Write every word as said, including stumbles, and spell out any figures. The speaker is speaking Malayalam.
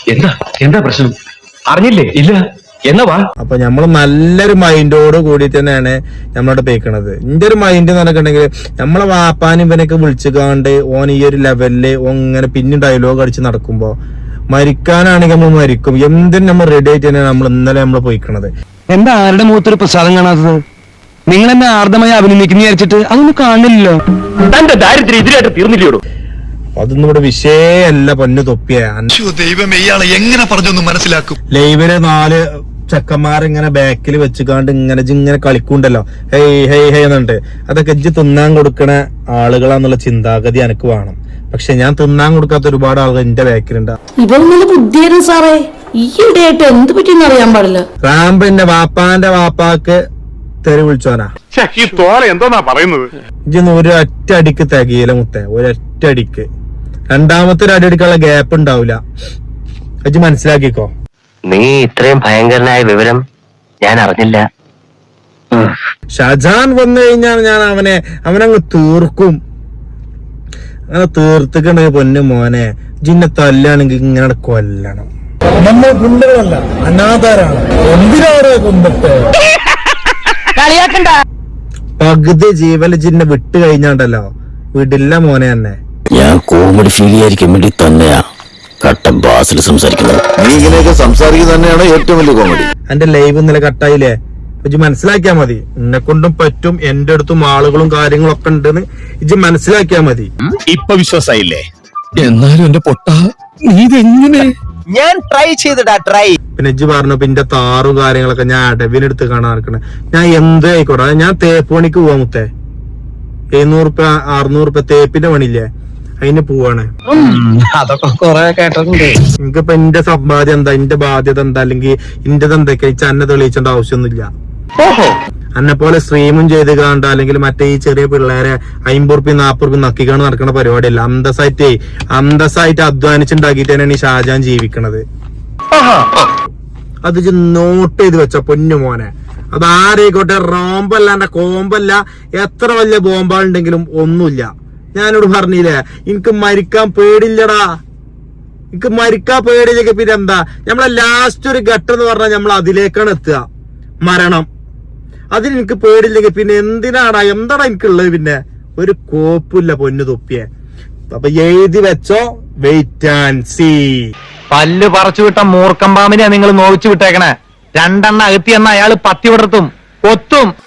എന്താ എന്താ പ്രശ്നം? അറിഞ്ഞില്ലേ? ഇല്ല. എന്നാ വാ. അപ്പൊ നമ്മള് നല്ലൊരു മൈൻഡോട് കൂടി തന്നെയാണ് നമ്മളോട് പേക്കണത്. ഇന്റെ ഒരു മൈൻഡ് എന്ന് പറഞ്ഞിട്ടുണ്ടെങ്കിൽ നമ്മളെ വാപ്പാനും ഇവനൊക്കെ വിളിച്ചുകാണ്ട് ഓൻ ഈ ഒരു ലെവലില് ഇങ്ങനെ പിന്നെ ഡയലോഗ് അടിച്ച് നടക്കുമ്പോ മരിക്കാനാണെങ്കിൽ നമ്മൾ മരിക്കും. എന്തിനും നമ്മൾ റെഡി ആയിട്ട് തന്നെയാണ് നമ്മൾ ഇന്നലെ നമ്മൾ പോയിക്കണത്. എന്താ ആരുടെ മുഖത്തൊരു പ്രസാദം കാണാത്തത്? നിങ്ങൾ എന്നെ ആർദ്രമായി അഭിനന്ദിക്കുന്ന വിചാരിച്ചിട്ട് അതൊന്നും കാണില്ലല്ലോ. തന്റെ ദാരിദ്ര്യം ഇതിലായിട്ട് തീർന്നില്ലയോ? അതൊന്നും ഇവിടെ വിഷയല്ല. പൊന്നു തൊപ്പിയ ദൈവമേ, ഇയാളെ എങ്ങനെ പറഞ്ഞൊന്ന് മനസ്സിലാക്കും. ലൈവില് നാല് ചെക്കന്മാരിങ്ങനെ ബാക്കിൽ വെച്ചുകാണ്ട് ഇങ്ങനെ ഇങ്ങനെ കളിക്കുണ്ടല്ലോ, ഹെയ് ഹെയ് ഹെയ് എന്നിട്ട് അതൊക്കെ ഇജ്ജ് തിന്നാൻ കൊടുക്കണ ആളുകളാന്നുള്ള ചിന്താഗതി എനിക്ക് വേണം. പക്ഷെ ഞാൻ തിന്നാൻ കൊടുക്കാത്ത ഒരുപാട് ആളുകൾ എന്റെ ബാക്കിലുണ്ട്. ബുദ്ധിയായിരുന്നു സാറേ. ഈയിടെയായിട്ട് എന്ത് പറ്റിയെന്ന് അറിയാൻ പാടില്ല. റാംബ് എന്റെ വാപ്പാന്റെ വാപ്പാക്ക് തെറി വിളിച്ചോനാ. എന്തോന്നാ പറയുന്നത്? ഇജ്ജൊന്ന് ഒരു ഒറ്റ അടിക്ക് തികയില മുത്തേ, ഒരൊറ്റ അടിക്ക്. രണ്ടാമത്തെ ഒരു അടി അടിക്കാനുള്ള ഗ്യാപ്പ് ഉണ്ടാവില്ല. ഇജ്ജ് മനസ്സിലാക്കിക്കോ. നീ ഇത്രയും ഭയങ്കരനായ വിവരം ഞാൻ അറിഞ്ഞില്ല. ഷാജാൻ വന്നു കഴിഞ്ഞാൽ ഞാൻ അവനെ അവനങ്ങ് തീർക്കും. അങ്ങനെ തീർത്തിക്കണ പൊന്നു മോനെ. ജിന്നെ തല്ലാണെങ്കിൽ ഇങ്ങനെ കൊല്ലണം. നമ്മൾ ഗുണ്ടകളല്ല, അനാഥാരാണ്. എന്തിനാണ് കൊന്നിട്ട് പകുതി ജീവല് ജിന്നെ വിട്ട് കഴിഞ്ഞാണ്ടല്ലോ വിടില്ല മോനെ തന്നെ. ഞാൻ കോമഡി ഫീൽ ചെയ്യാതിരിക്കാൻ വേണ്ടി തന്നെയാ കട്ട ബാസിൽ സംസാരിക്കുന്നത്. നീ ഇങ്ങനെയൊക്കെ സംസാരിക്കുന്നത് തന്നെയാണ് ഏറ്റവും വലിയ കോമഡി. എന്റെ ലൈവ് ഇന്നലെ കട്ടായില്ലേ? ഇജ്ജ് മനസ്സിലാക്കിയാ മതി. എന്നെ കൊണ്ടും പറ്റും, എന്റെ അടുത്തും ആളുകളും കാര്യങ്ങളും ഒക്കെ ഉണ്ടെന്ന് ഇജ്ജ് മനസ്സിലാക്കിയാ മതി. ഇപ്പൊ വിശ്വാസായില്ലേ? എന്നാലും എന്റെ പൊട്ട നീ ഇതെങ്ങനെ? ഞാൻ ട്രൈ ചെയ്തിടാ ട്രൈ. പിന്നെ ഇജ്ജ് പറഞ്ഞു പിന്നെ താറും കാര്യങ്ങളൊക്കെ ഞാൻ അടവിനെടുത്ത് കാണാൻ നടക്കണേ. ഞാൻ എന്ത് ആയിക്കോട്ടെ, ഞാൻ തേപ്പ് പണിക്ക് പോവാ മുത്തേ. എഴുന്നൂറ് റുപ്യ അറുന്നൂറ് റുപ്യ തേപ്പിന്റെ പണിയില്ലേ, അതിന് പോവാണ്. അതൊക്കെ കൊറേ കേട്ടിട്ടുണ്ട്. എനിക്കിപ്പോ എന്റെ സമ്പാദ്യം എന്താ, എന്റെ ബാധ്യത എന്താ, അല്ലെങ്കിൽ ഇന്റത് എന്തൊക്കെ വെച്ചാൽ അന്നെ തെളിയിച്ചേണ്ട ആവശ്യമൊന്നുമില്ല. അന്നെ പോലെ സ്ട്രീമും ചെയ്ത് കാണണ്ട, അല്ലെങ്കിൽ മറ്റേ ഈ ചെറിയ പിള്ളേരെ അമ്പത് റുപ്യ നാപ്പത് റുപ്യ നക്കിക്കാണ് നടക്കുന്ന പരിപാടിയല്ല. അന്തസ്സായിട്ട് അന്തസ്സായിട്ട് അധ്വാനിച്ചുണ്ടാക്കിയിട്ട് തന്നെയാണ് ഈ ഷാജാൻ ജീവിക്കണത്. അത് നോട്ട് ചെയ്ത് വെച്ച പൊന്നു മോനെ. അത് ആരെയിക്കോട്ടെ, റോമ്പല്ല കോമ്പല്ല, എത്ര വലിയ ബോംബുണ്ടെങ്കിലും ഒന്നുമില്ല. ഞാനോട് പറഞ്ഞില്ലേ, എനിക്ക് മരിക്കാൻ പേടില്ലടാ. എനിക്ക് മരിക്കാൻ പേടിയില്ലെങ്കിൽ പിന്നെ എന്താ, നമ്മളെ ലാസ്റ്റ് ഒരു ഘട്ടം എന്ന് പറഞ്ഞാൽ നമ്മൾ അതിലേക്കാണ് എത്തുക, മരണം. അതിന് എനിക്ക് പേടില്ലെങ്കിൽ പിന്നെ എന്തിനാടാ, എന്താടാ എനിക്കുള്ളത്? പിന്നെ ഒരു കോപ്പില്ല പൊന്നു തൊപ്പിയെ. അപ്പൊ എഴുതി വെച്ചോ, വെയിറ്റ് ആൻഡ് സീ. പല്ല് പറിച്ചു വിട്ട മൂർക്കം പാമ്പിനെയാ നിങ്ങൾ നോവിച്ചു വിട്ടേക്കണേ. രണ്ടെണ്ണ അകത്തി എന്ന അയാള് പത്തി വിടർത്തും കൊത്തും.